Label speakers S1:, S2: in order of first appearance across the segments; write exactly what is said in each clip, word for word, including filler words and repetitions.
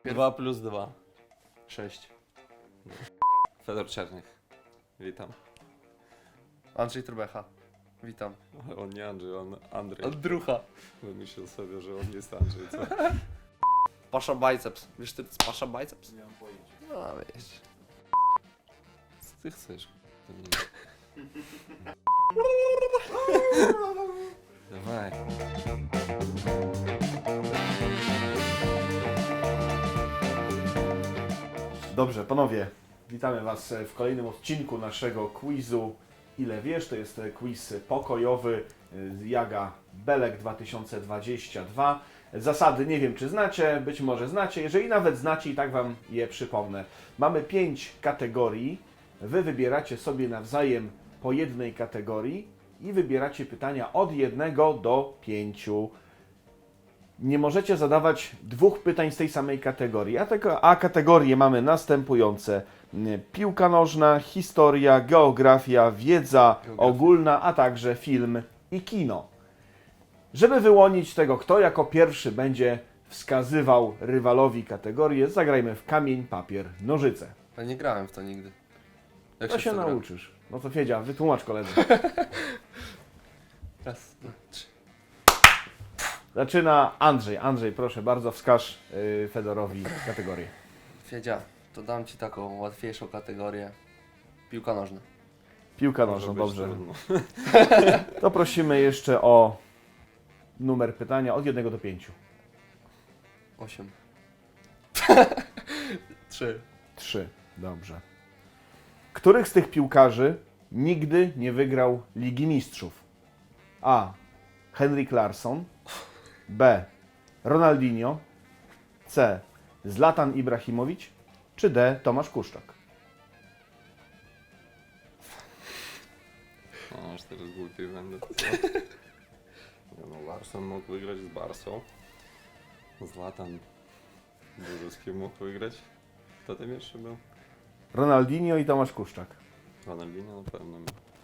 S1: Pier...
S2: dwa plus dwa.
S1: sześć.
S2: Fedor Czernych. Witam.
S1: Andrzej Trubecha. Witam.
S2: Ale on nie Andrzej, on Andrzej.
S1: Andrucha.
S2: Wymyślił sobie, że on jest Andrzej, co?
S1: Pasza biceps. Wiesz ty, co Pasza biceps?
S2: Nie mam pojęcia.
S1: No wiesz.
S2: Co ty chcesz? Dawaj.
S3: Dobrze, panowie, witamy Was w kolejnym odcinku naszego quizu Ile wiesz? To jest quiz pokojowy z Jaga Belek dwa tysiące dwadzieścia dwa. Zasady nie wiem, czy znacie, być może znacie. Jeżeli nawet znacie, i tak Wam je przypomnę. Mamy pięć kategorii. Wy wybieracie sobie nawzajem po jednej kategorii i wybieracie pytania od jednego do pięciu. Nie możecie zadawać dwóch pytań z tej samej kategorii, a, tego, a kategorie mamy następujące. Piłka nożna, historia, geografia, wiedza
S1: Geografia.
S3: ogólna, a także film i kino. Żeby wyłonić tego, kto jako pierwszy będzie wskazywał rywalowi kategorię, zagrajmy w kamień, papier, nożyce.
S1: Ale nie grałem w to nigdy. Jak
S3: To się
S1: w to gra?
S3: nauczysz. No to Fiedzia, wytłumacz koledze.
S1: Raz, dwa, trzy.
S3: Zaczyna Andrzej. Andrzej, proszę bardzo, wskaż yy, Fedorowi kategorię.
S1: Fiedzia, to dam Ci taką łatwiejszą kategorię. Piłka nożna.
S3: Piłka
S2: Może
S3: nożna,
S2: być
S3: dobrze.
S2: trudno.
S3: To prosimy jeszcze o numer pytania od jednego do pięciu.
S1: osiem. trzy.
S3: Trzy. Dobrze. Których z tych piłkarzy nigdy nie wygrał Ligi Mistrzów? A. Henrik Larsson. B. Ronaldinho. C. Zlatan Ibrahimowicz. Czy D. Tomasz Kuszczak?
S2: No, aż teraz głupi będę. Co? Nie no, Larsson mógł wygrać z Barsą. Zlatan dużo z kim mógł wygrać. Kto tam jeszcze był?
S3: Ronaldinho i Tomasz Kuszczak.
S2: Ronaldinho na pewno.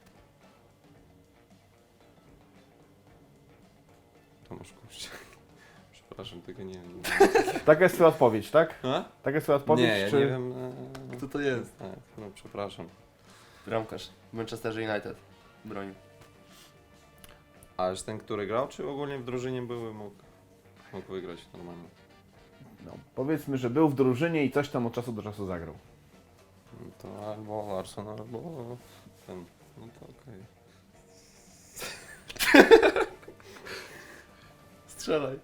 S2: Tomasz Kuszczak. Przepraszam, tego nie wiem.
S3: Taka jest Twoja odpowiedź, tak?
S2: A?
S3: Taka jest Twoja odpowiedź?
S2: Nie, ja
S3: czy...
S2: nie wiem. e,
S1: Kto to jest?
S2: Tak, no przepraszam.
S1: Bramkarz. Manchester United. Bronił.
S2: A że ten, który grał, czy ogólnie w drużynie były, mógł, mógł wygrać normalnie?
S3: No, powiedzmy, że był w drużynie i coś tam od czasu do czasu zagrał.
S2: No to albo Larsson, albo ten. No to okej.
S1: Strzelaj.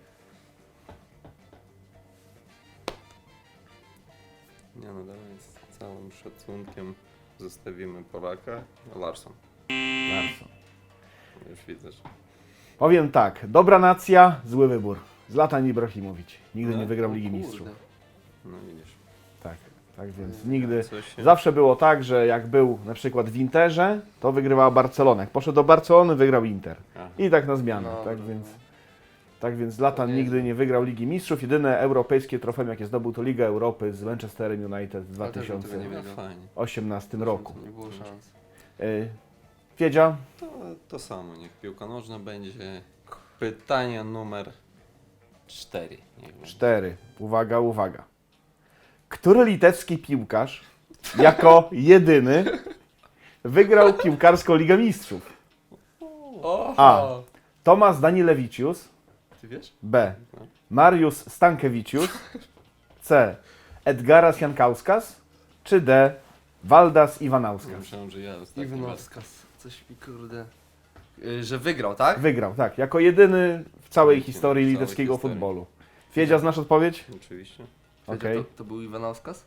S2: Nie no, dalej z całym szacunkiem zostawimy Polaka. Larsson.
S3: Larsson.
S2: Już widzę, że...
S3: Powiem tak, dobra nacja, zły wybór. Zlatan Ibrahimowicz. Nigdy
S2: No,
S3: nie wygrał
S1: O
S3: Ligi
S1: kurde.
S3: Mistrzów.
S2: No widzisz.
S3: Tak, tak więc nigdy.
S2: Coś się...
S3: Zawsze było tak, że jak był na przykład w Interze, to wygrywała Barcelona. Jak poszedł do Barcelony, wygrał Inter.
S2: Aha.
S3: I tak na zmianę.
S1: No,
S3: tak,
S1: no,
S3: więc,
S1: no.
S3: tak więc Zlatan
S1: To nie
S3: nigdy
S1: jest-
S3: nie wygrał Ligi Mistrzów. Jedyne europejskie trofeum, jakie zdobył, to Liga Europy z Manchesterem United w
S1: Ale też bym tego nie
S3: dwa tysiące
S1: wiedział.
S2: No fajnie.
S3: osiemnastym roku.
S1: Nie było szans.
S3: Y, Fiedzia,
S2: To, to samo, niech piłka nożna będzie. Pytanie numer cztery. Niech będzie.
S3: cztery. Uwaga, uwaga. Który litewski piłkarz jako jedyny wygrał piłkarską Ligę Mistrzów?
S1: O!
S3: A. Tomasz Danilewicius.
S1: Ty wiesz?
S3: B. Mariusz Stankiewicius. C. Edgaras Jankauskas. Czy D. Waldas Iwanauskas.
S2: Myślałem, że ja ostatni raz.
S1: Iwanauskas. Coś mi kurde... Y, że wygrał, tak?
S3: Wygrał, tak. Jako jedyny w całej
S2: W
S3: historii
S2: całej
S3: litewskiego
S2: historii.
S3: futbolu. Fiedzia, znasz odpowiedź?
S2: Oczywiście.
S3: Okej.
S1: To, to był Iwanauskas?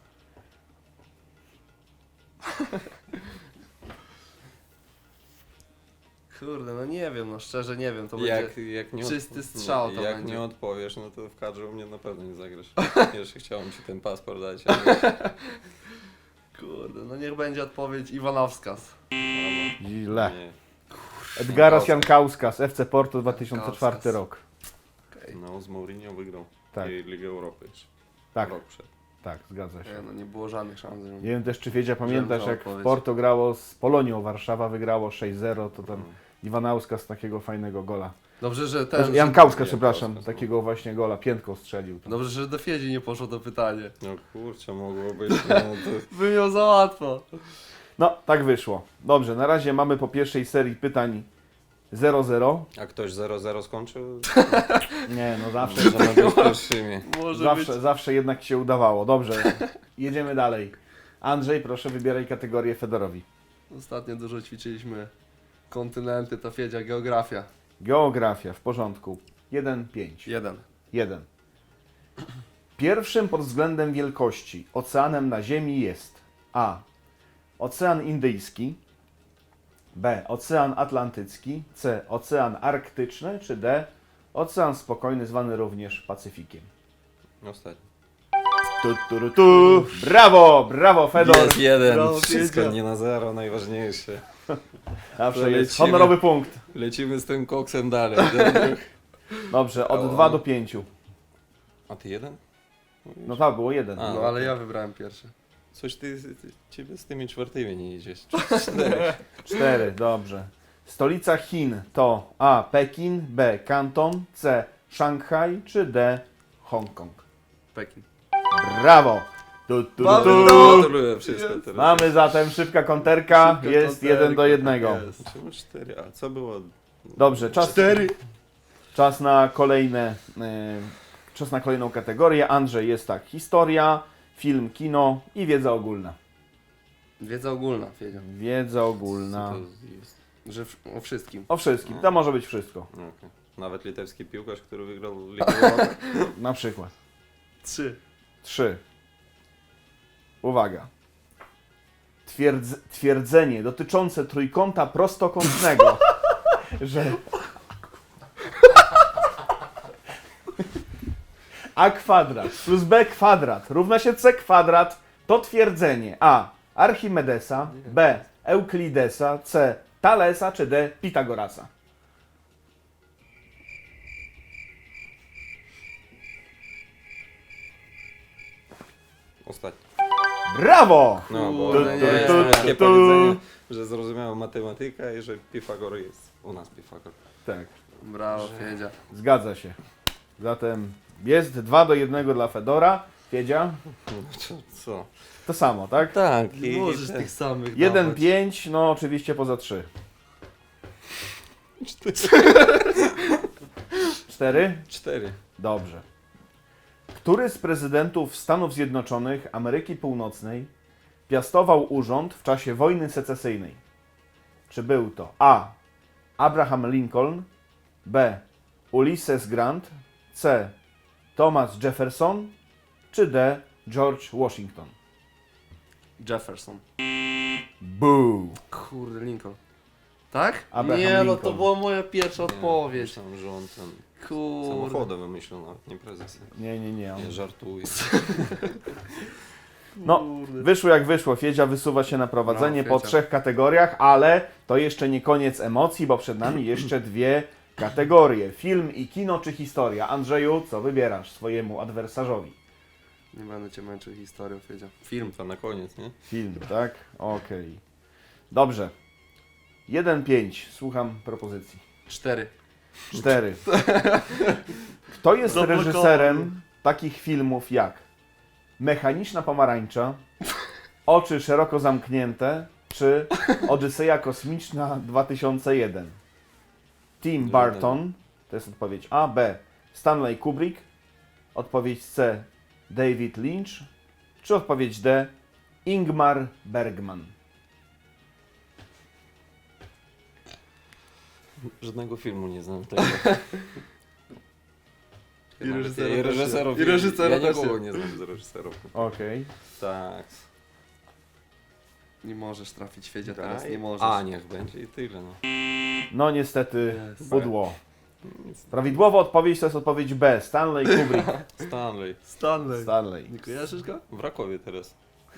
S1: Kurde, no nie wiem, no szczerze nie wiem, to
S2: Jak,
S1: będzie...
S2: jak nie
S1: czysty strzał to
S2: Jak
S1: będzie.
S2: nie odpowiesz, no to w kadrze u mnie na pewno nie zagrasz. Jeszcze chciałem ci ten paszport dać, ale...
S1: Kurde, no niech będzie odpowiedź Iwanauskas.
S3: Źle.
S2: Nie.
S3: Edgaras Jankauskas, F C Porto dwa tysiące czwarty
S1: Jankauskas.
S3: rok.
S1: Okej.
S2: No, z Mourinho wygrał.
S3: Tak.
S2: I Ligę Europy jeszcze.
S3: Tak,
S2: Rok przed.
S3: tak, zgadza się.
S1: Nie, no nie było żadnych szans.
S3: Nie wiem też, czy Fiedzia pamiętasz,
S1: Żebym
S3: jak
S1: odpowiedź.
S3: w Porto grało z Polonią Warszawa, wygrało sześć zero, to tam
S2: Mm.
S3: Iwanauskas z takiego fajnego gola
S1: Dobrze, że ten...
S3: Jan
S1: że...
S3: Kauska,
S2: Jan
S3: przepraszam,
S2: Kauska,
S3: takiego właśnie gola, piętką strzelił.
S1: Dobrze, że do Fiedzi nie poszło to pytanie.
S2: No kurczę, mogło być, no to...
S1: By miał za łatwo.
S3: No, tak wyszło. Dobrze, na razie mamy po pierwszej serii pytań zero zero.
S2: A ktoś zero zero skończył?
S3: Nie, no zawsze,
S2: Możemy być pierwszymi.
S1: Może
S3: zawsze,
S1: być...
S3: zawsze jednak się udawało. Dobrze, jedziemy dalej. Andrzej, proszę wybieraj kategorię Fedorowi.
S1: Ostatnio dużo ćwiczyliśmy kontynenty, to Fiedzia, geografia.
S3: Geografia, w porządku. jeden pięć.
S1: Jeden.
S3: jeden. Pierwszym pod względem wielkości oceanem na Ziemi jest A. Ocean Indyjski, B. Ocean Atlantycki, C. Ocean Arktyczny, czy D. Ocean Spokojny, zwany również Pacyfikiem.
S2: Ostatni.
S3: Tu, tu, tu, tu. Brawo, brawo Fedor.
S2: Jest jeden,
S1: Brawo,
S2: wszystko
S1: Fiedzia.
S2: nie na zero, najważniejsze.
S3: Zawsze
S2: To
S3: jest
S2: lecimy.
S3: honorowy punkt.
S2: Lecimy z tym koksem dalej.
S3: Dobrze, od
S2: O.
S3: dwa do pięciu.
S2: A ty jeden?
S3: No tak, było jeden.
S2: A.
S1: No ale ja wybrałem pierwszy.
S2: Coś ty, ty ciebie z tymi czwartymi nie idziesz. Cztery.
S3: cztery, dobrze. Stolica Chin to A. Pekin, B. Kanton, C. Szanghaj, czy D. Hongkong.
S1: Pekin.
S3: Brawo! Tu, tu, tu,
S1: Mamy
S3: tu.
S1: to!
S2: Gratuluję, wszystko teraz.
S3: Mamy zatem szybka konterka,
S1: Szybka
S3: jest
S1: konterka,
S3: jeden do jednego.
S1: jest.
S2: Czemu cztery? A co było?
S3: Dobrze, czas,
S1: Cztery.
S3: czas na kolejne, e, czas na kolejną kategorię. Andrzej, jest tak, historia, film, kino i wiedza ogólna.
S1: Wiedza ogólna, Fiedzia.
S3: Wiedza
S2: Co
S3: ogólna.
S2: to jest?
S1: Że w, o wszystkim.
S3: O wszystkim, to może być wszystko.
S2: No, okej. Nawet litewski piłkarz, który wygrał Ligę Europy.
S3: Na przykład.
S1: Trzy.
S3: Trzy. Uwaga. Twierdz, twierdzenie dotyczące trójkąta prostokątnego, że a kwadrat plus b kwadrat równa się c kwadrat, to twierdzenie a. Archimedesa, b. Euklidesa, c. Thalesa, czy d. Pitagorasa.
S2: Ostatni.
S3: Brawo!
S2: No, bo
S1: Kurde,
S2: to
S1: nie.
S2: jest
S1: Tu,
S2: takie
S3: tu.
S2: powiedzenie, że zrozumiałem matematykę i że Pifagor jest u nas Pifagor.
S3: Tak.
S1: Brawo, Fiedzia.
S3: Zgadza się. Zatem jest dwa do jednego dla Fedora. Wiedzia?
S2: No, co? co?
S3: To samo, tak?
S2: Tak.
S1: Nie możesz tych samych
S3: jeden
S1: dawać.
S3: pięć, no oczywiście poza trzy. cztery?
S2: Cztery.
S3: Dobrze. Który z prezydentów Stanów Zjednoczonych Ameryki Północnej piastował urząd w czasie wojny secesyjnej? Czy był to A. Abraham Lincoln, B. Ulysses Grant, C. Thomas Jefferson, czy D. George Washington?
S1: Jefferson.
S3: Boo!
S1: Kurde, Lincoln. Tak?
S3: Abraham
S1: nie, no
S3: Lincoln.
S1: to była moja pierwsza odpowiedź.
S2: Myślałem, że on ten
S1: Kurde.
S2: samochodem wymyślił nawet, nie prezes.
S3: Nie, nie, nie.
S2: Nie żartuję.
S3: No,
S1: Kurde.
S3: wyszło jak wyszło. Fiedzia wysuwa się na prowadzenie
S1: Brawo,
S3: po
S1: Fiedzia.
S3: trzech kategoriach, ale to jeszcze nie koniec emocji, bo przed nami jeszcze dwie kategorie. Film i kino czy historia? Andrzeju, co wybierasz swojemu adwersarzowi?
S1: Nie będę cię męczył historią, Fiedzia. Film.
S2: To na koniec, nie?
S3: Film, tak? Okej. Dobrze. jeden pięć. Słucham propozycji.
S1: Cztery.
S3: cztery. Kto jest
S1: Zablokowany.
S3: reżyserem takich filmów jak Mechaniczna pomarańcza, Oczy szeroko zamknięte, czy Odyseja kosmiczna dwa tysiące jeden? Tim Burton, to jest odpowiedź A, B. Stanley Kubrick, odpowiedź C. David Lynch, czy odpowiedź D. Ingmar Bergman?
S2: Żadnego filmu nie znam tego.
S1: I reżysera
S2: I
S1: też nie.
S2: reżyserów.
S1: I reżysera
S2: Ja
S1: też
S2: nikogo
S1: nie.
S2: nie znam z reżyserów.
S3: Okej.
S2: Tak.
S1: Nie możesz trafić, Fiedzia, teraz
S2: Daj.
S1: nie możesz.
S2: A, niech będzie i tyle, no.
S3: No niestety,
S1: Jest.
S3: pudło. Prawidłowa odpowiedź to jest odpowiedź B. Stanley Kubrick.
S2: Stanley.
S1: Stanley.
S3: Stanley.
S1: Nie kojarzysz go?
S2: W Rakowie teraz.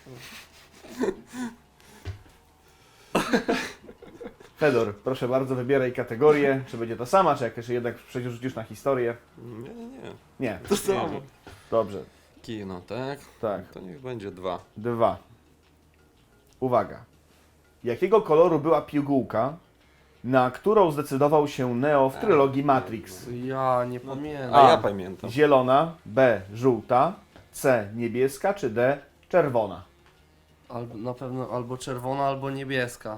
S3: Fedor, proszę bardzo, wybieraj kategorię. Czy będzie to sama, czy jak jednak przerzucisz na historię?
S2: Nie, nie, nie.
S3: Nie.
S1: To samo.
S3: Dobrze.
S2: Kino, tak?
S3: Tak.
S2: To niech będzie dwa.
S3: Dwa. Uwaga. Jakiego koloru była pigułka, na którą zdecydował się Neo w trylogii Matrix?
S1: Ja nie
S2: No,
S1: pamiętam.
S2: A
S3: A.
S2: ja pamiętam.
S3: Zielona, B. Żółta, C. Niebieska czy D. Czerwona?
S1: Albo, na pewno albo czerwona, albo niebieska.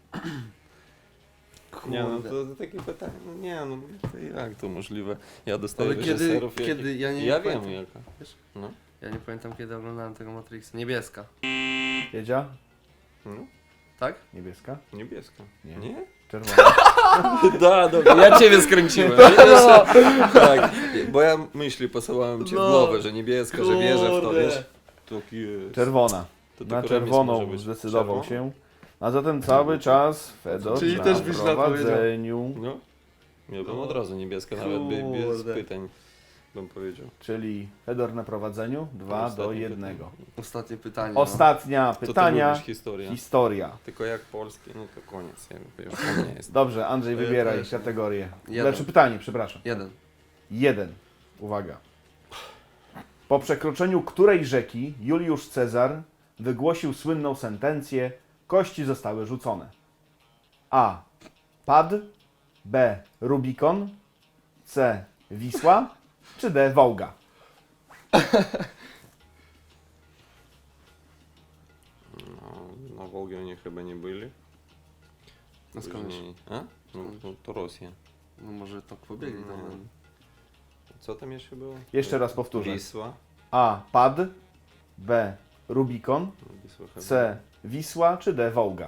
S2: Nie no,
S1: Kurde.
S2: to, to takie pytanie, no nie no, to jak to możliwe? Ja dostaję
S1: Ale kiedy,
S2: reżyserów, jakich-
S1: kiedy, ja nie
S2: Ja
S1: pamiętam,
S2: wiem jaka.
S1: Wiesz?
S2: No.
S1: Ja nie pamiętam kiedy oglądałem tego Matrixa. Niebieska,
S3: Wiedzia?
S2: no,
S1: tak?
S3: Niebieska?
S2: niebieska.
S3: Nie.
S2: Nie?
S3: Czerwona.
S2: Da, dobra, ja ciebie skręciłem.
S1: No.
S2: Tak, bo ja myśli posyłałem ci
S1: No.
S2: w głowę, że niebieska, że wierzę w to,
S1: Kurde.
S2: wiesz? To jest.
S3: Czerwona.
S2: To
S3: Na
S2: tylko remis
S3: czerwoną
S2: może być.
S3: zdecydował
S2: Czerwona?
S3: się. A zatem cały czas Fedor
S1: Czyli
S3: na
S1: też byś źle
S3: prowadzeniu.
S2: No. Ja bym
S1: No.
S2: od razu niebieska, nawet by, bez
S1: Kurde.
S2: pytań bym powiedział.
S3: Czyli Fedor na prowadzeniu dwa do
S2: Ostatnie
S3: jednego.
S2: pytanie.
S1: Ostatnie pytanie.
S3: Ostatnia
S2: To ty
S3: pytania.
S2: lubisz historię.
S3: Historia.
S2: Tylko jak polskie, no to koniec. Ja już tam nie jest.
S3: Dobrze, Andrzej,
S1: To ja
S3: wybieraj
S1: też.
S3: kategorię.
S1: Jeden.
S3: Znaczy pytanie, przepraszam.
S1: No. Jeden.
S3: Jeden. Uwaga. Po przekroczeniu której rzeki Juliusz Cezar wygłosił słynną sentencję: kości zostały rzucone? A. Pad, B. Rubikon, C. Wisła czy D. Wołga?
S2: No, na Волге oni chyba nie byli.
S1: No skąd wiesz?
S2: Później- A? No, no to Rosja.
S1: No może to pobiegli
S2: No.
S1: tam.
S2: Co tam jeszcze było?
S3: Jeszcze raz powtórzę.
S2: Wisła.
S3: A. Pad, B. Rubikon,
S2: No, Wisła chyba.
S3: C. Wisła czy D. Wołga?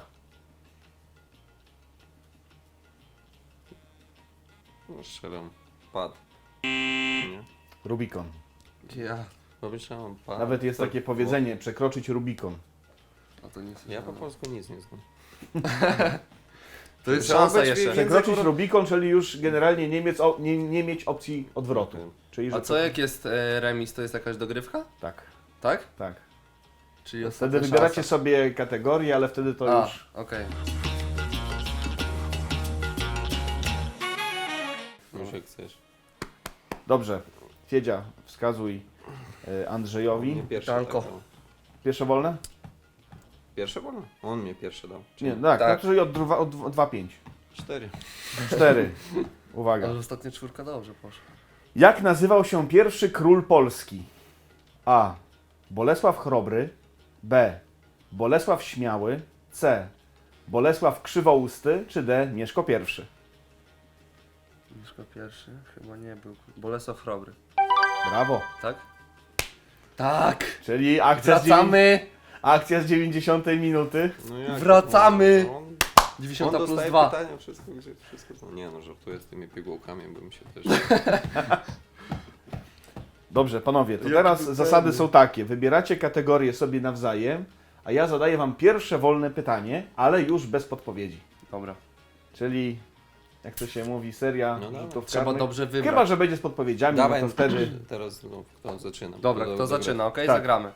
S2: No strzelam. Pad. Nie?
S3: Rubikon.
S1: Ja.
S2: Pomyślałem pad.
S3: Nawet jest
S2: To-
S3: takie powiedzenie: przekroczyć Rubikon.
S1: A to nie
S2: Ja po
S1: słyszałem.
S2: polsku nic nie znam.
S1: To jest
S2: Trzeba
S1: szansa
S2: być
S1: jeszcze.
S2: więcej-
S3: Przekroczyć Rubikon, czyli już generalnie Niemiec, o, nie, nie mieć opcji odwrotu.
S2: Okej.
S3: Czyli,
S1: A
S3: że
S1: co jak jest e, remis, to jest jakaś dogrywka?
S3: Tak,
S1: Tak?
S3: tak.
S1: Czyli
S3: Wtedy
S1: ostatnia
S3: wybieracie
S1: szansa.
S3: sobie kategorię, ale wtedy to
S1: A,
S3: już...
S1: okej.
S2: Już jak chcesz.
S3: Dobrze. Fiedzia, wskazuj e, Andrzejowi.
S2: Nie pierwszy
S1: Tanko.
S2: tak dał.
S3: Pierwsze wolne?
S2: Pierwsze wolno? On mnie pierwszy dał. Czy
S3: Nie, tak,
S1: Tak.
S3: tak. czyli od dwa- od dwa pięć.
S2: Cztery.
S3: Cztery. Uwaga.
S1: Ale ostatnia czwórka dobrze poszła.
S3: Jak nazywał się pierwszy król Polski? A. Bolesław Chrobry. B. Bolesław Śmiały. C. Bolesław Krzywousty. Czy D. Mieszko I?
S1: Mieszko pierwszy? Chyba nie był. Bolesław Chrobry.
S3: Brawo.
S1: Tak? Tak!
S3: Czyli akcja z, dziewię-
S1: Wracamy!
S3: akcja z dziewięćdziesiątej minuty.
S2: No jak?
S1: Wracamy!
S2: No, on,
S1: dziewięćdziesiąta
S2: on
S1: plus
S2: dostaje
S1: dwa.
S2: pytania, wszystko, gdzie- wszystko to. Nie no, żartuję z tymi pigułkami, bym się też...
S3: Dobrze, panowie, to
S1: Jaki
S3: teraz
S1: był
S3: zasady
S1: pewny.
S3: są takie. Wybieracie kategorie sobie nawzajem, a ja zadaję wam pierwsze wolne pytanie, ale już bez podpowiedzi.
S1: Dobra.
S3: Czyli, jak to się mówi, seria
S2: No dawaj.
S3: rzutów
S1: Trzeba
S3: karnych.
S1: dobrze wybrać.
S3: Chyba, że będzie z podpowiedziami,
S2: Dawaj,
S3: no to wtedy...
S2: teraz no, kto zaczyna?
S1: Dobra,
S2: Kto
S1: kto
S2: zagra?
S1: zaczyna, okej?
S3: Tak.
S1: Zagramy.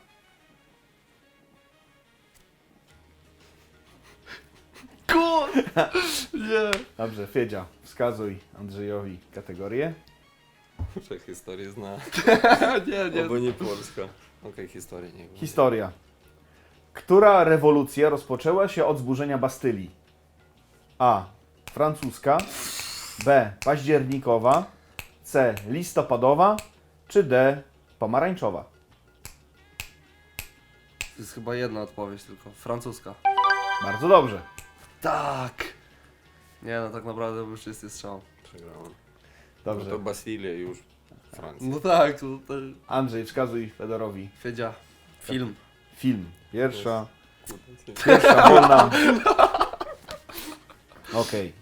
S1: Kur... Nie.
S3: Dobrze, Fiedzia, wskazuj Andrzejowi kategorię.
S2: Muszę historię zna.
S1: nie, nie.
S2: Albo nie Polska. Okej, historię nie wiem.
S3: Historia. Która rewolucja rozpoczęła się od zburzenia Bastylii? A. Francuska. B. Październikowa. C. Listopadowa. Czy D. Pomarańczowa?
S1: To jest chyba jedna odpowiedź tylko. Francuska.
S3: Bardzo dobrze.
S1: Tak! Nie no, tak naprawdę był czysty strzał.
S2: Przegrałem.
S3: Dobrze.
S2: No to Bastylia już. Francja.
S1: No tak, to, to...
S3: Andrzej, wskazuj Fedorowi
S1: Fiedzia. Film.
S3: film. Pierwsza,
S2: Kurde,
S3: pierwsza wolna. Okej.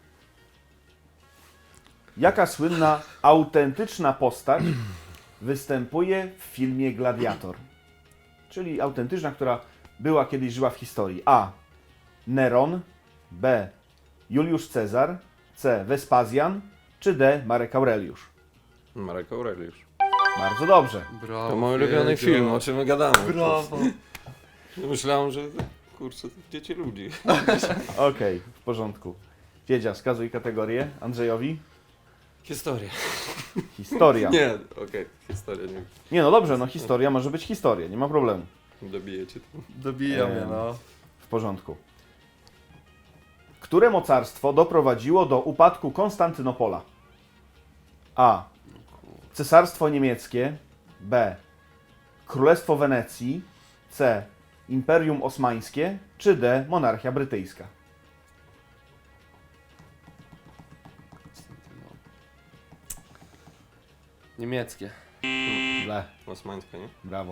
S3: Jaka słynna, autentyczna postać występuje w filmie Gladiator? Czyli autentyczna, która była kiedyś żyła w historii. A. Neron. B. Juliusz Cezar. C. Wespazjan. Czy D. Marek Aureliusz?
S2: Marek Aureliusz.
S3: Bardzo dobrze.
S1: Brawo.
S2: To mój ulubiony
S1: Fiedzio.
S2: film, o czym my gadamy.
S1: Brawo.
S2: Myślałem, że kurczę, to dzieci ludzi.
S3: Okej, w porządku. Wiedzia, wskazuj kategorię Andrzejowi.
S2: Historia.
S3: Historia.
S2: Nie, okej, historia nie.
S3: Nie, no dobrze, no historia może być historia, nie ma problemu.
S2: Dobijecie to.
S1: Dobija mnie,
S3: Em.
S1: no.
S3: W porządku. Które mocarstwo doprowadziło do upadku Konstantynopola? A. Cesarstwo niemieckie. B. Królestwo Wenecji. C. Imperium Osmańskie. Czy D. Monarchia brytyjska?
S1: Niemieckie.
S3: Źle.
S2: Osmańska, nie?
S3: Brawo.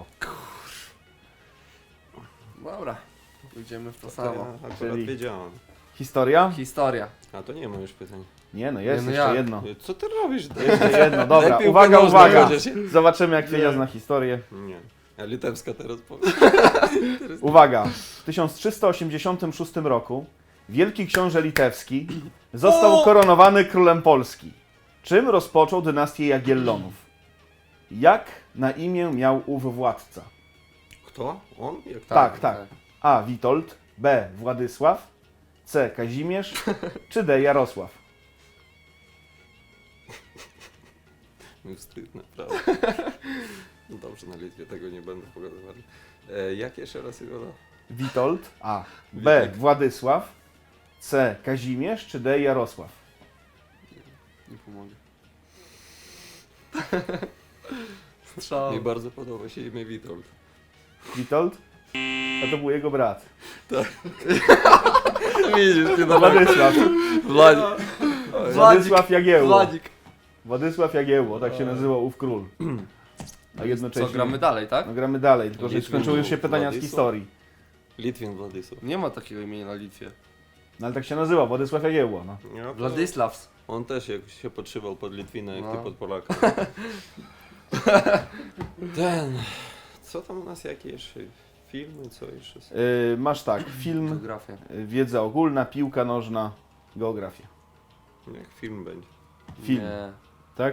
S1: Dobra, pójdziemy w to
S2: To
S1: samo.
S2: ja akurat
S3: Czyli-
S2: wiedziałem.
S3: Historia?
S1: Historia.
S2: A to nie ma już pytań.
S3: Nie no, jest
S1: Nie, no
S3: jeszcze
S1: jak?
S3: jedno.
S2: Co ty robisz?
S3: Jeszcze jedno, dobra.
S2: Daj piłkę
S3: Uwaga,
S2: nożną,
S3: uwaga.
S2: chociaż.
S3: Zobaczymy jak Fiedzia zna historię.
S2: Nie. A litewska teraz powie.
S3: Uwaga. W tysiąc trzysta osiemdziesiątym szóstym roku wielki książę litewski został koronowany królem Polski. Czym rozpoczął dynastię Jagiellonów? Jak na imię miał ów władca?
S2: Kto? On? Jak to?
S3: Tak, tak. A. Witold. B. Władysław. C. Kazimierz. Czy D. Jarosław?
S2: Mi wstyd, naprawdę. No dobrze, na Litwie tego nie będę pokazywali. E, jak jeszcze raz jego da?
S3: Witold. A. B.
S2: Witek.
S3: Władysław. C. Kazimierz. Czy D. Jarosław?
S1: Nie pomogę. Strzał.
S2: Mi bardzo podoba się imię Witold.
S3: Witold? A to był jego brat.
S1: Widzisz, nie
S3: Władysław.
S1: Wladzik.
S3: Władysław Jagiełło.
S1: Wladzik.
S3: Władysław Jagiełło, tak się nazywał ów król. A jednocześnie...
S1: Co, gramy dalej, tak?
S3: No gramy dalej, tylko że
S2: Litwin
S3: skończyły już się
S2: był
S3: pytania z
S2: Władysław?
S3: historii.
S2: Litwin Władysław.
S1: Nie ma takiego imienia na Litwie.
S3: No ale tak się nazywał, Władysław Jagiełło, no.
S2: Ja to-
S1: Władysławs.
S2: On też jakoś się podszywał pod Litwina, jak
S1: No.
S2: ty pod Polaka. Ten... Co tam u nas, jakie jeszcze filmy, co jeszcze? są?
S3: Yy, masz tak, film,
S1: Geografia.
S3: yy, wiedza ogólna, piłka nożna, geografia.
S2: Jak film będzie.
S3: Film,
S1: Nie.
S3: tak?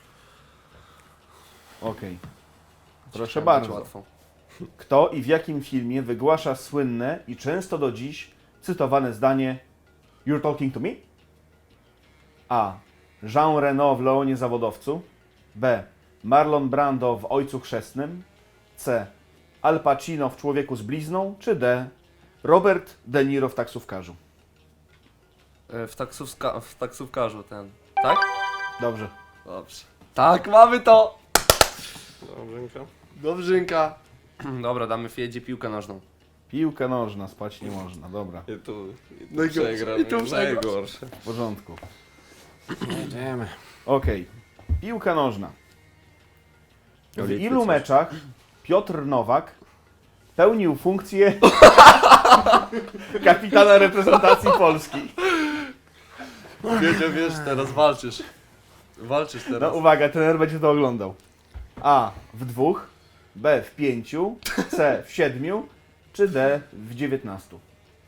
S3: Okej. Proszę
S1: Chciałem
S3: bardzo.
S1: być łatwo.
S3: Kto i w jakim filmie wygłasza słynne i często do dziś cytowane zdanie You're talking to me? A. Jean Reno w Leonie Zawodowcu. B. Marlon Brando w Ojcu Chrzestnym. C. Al Pacino w Człowieku z blizną. Czy D. Robert De Niro w Taksówkarzu.
S1: E, W, taksówka, w taksówkarzu ten. Tak?
S3: Dobrze.
S1: Dobrze. Tak, mamy to!
S2: Dobrzenka.
S1: Dobrzynka. Dobra, damy Fiedzie piłkę nożną.
S3: Piłka nożna, spać nie można. Dobra,
S2: I tu, i tu
S1: Najgorsze.
S2: przegram.
S1: I tu przegrasz.
S2: Najgorsze.
S3: w porządku.
S2: Jedziemy.
S3: Okej. Piłka nożna. W
S2: Litwy
S3: ilu
S2: coś.
S3: meczach Piotr Nowak pełnił funkcję kapitana reprezentacji Polski?
S1: Wiedział, wiesz, teraz walczysz. Walczysz
S3: No
S1: teraz.
S3: uwaga, trener będzie to oglądał. A. W dwóch. B. W pięciu. C. W siedmiu. Czy D. W dziewiętnastu.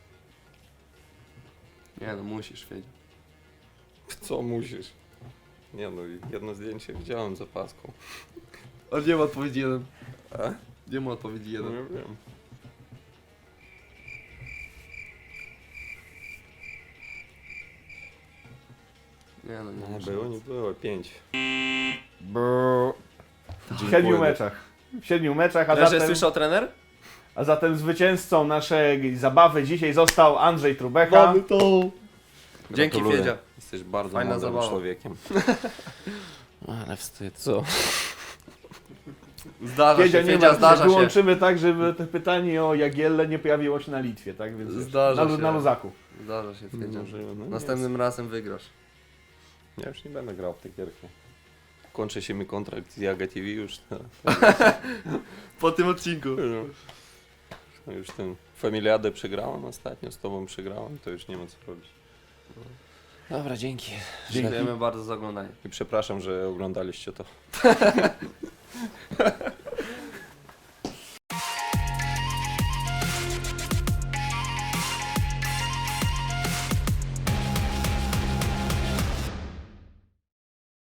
S1: Nie no, musisz, Fiedzie.
S2: Co musisz? Nie no, jedno zdjęcie widziałem za paską.
S1: A nie ma odpowiedzi jeden.
S2: A?
S1: Nie ma odpowiedzi
S2: No
S1: jeden.
S2: ja wiem.
S1: Nie no, nie
S2: Nie
S1: muszę.
S2: było, nie było. Pięć.
S3: W siedmiu meczach. W siedmiu meczach, a
S1: Ale że
S3: zatem,
S1: słyszał trener?
S3: a zatem zwycięzcą naszej zabawy dzisiaj został Andrzej Trubecha.
S1: to! Dzięki,
S2: Gratuluję.
S1: Fiedzia.
S2: Jesteś bardzo
S1: Fajna
S2: mądrym
S1: zabawa.
S2: człowiekiem. Ale wstyd. Co?
S1: Zdarza
S3: Fiedzia
S1: się,
S3: nie
S1: Fiedzia,
S3: ma,
S1: zdarza się.
S3: wyłączymy tak, żeby to pytanie o Jagielle nie pojawiło się na Litwie, tak? Więc wiesz,
S1: Zdarza
S3: na,
S1: się.
S3: na luzaku.
S1: Zdarza się, Fiedzia.
S2: Może, no nie
S1: Następnym razem wygrasz.
S2: Ja już nie będę grał w te gierki. Kończy się mi kontrakt z Jaga T V już.
S1: Po tym odcinku.
S2: No już ten Familiadę przegrałem ostatnio, z tobą przegrałem, to już nie ma co robić. Dobra, dzięki.
S1: Dziękujemy bardzo za oglądanie.
S2: I przepraszam, że oglądaliście to.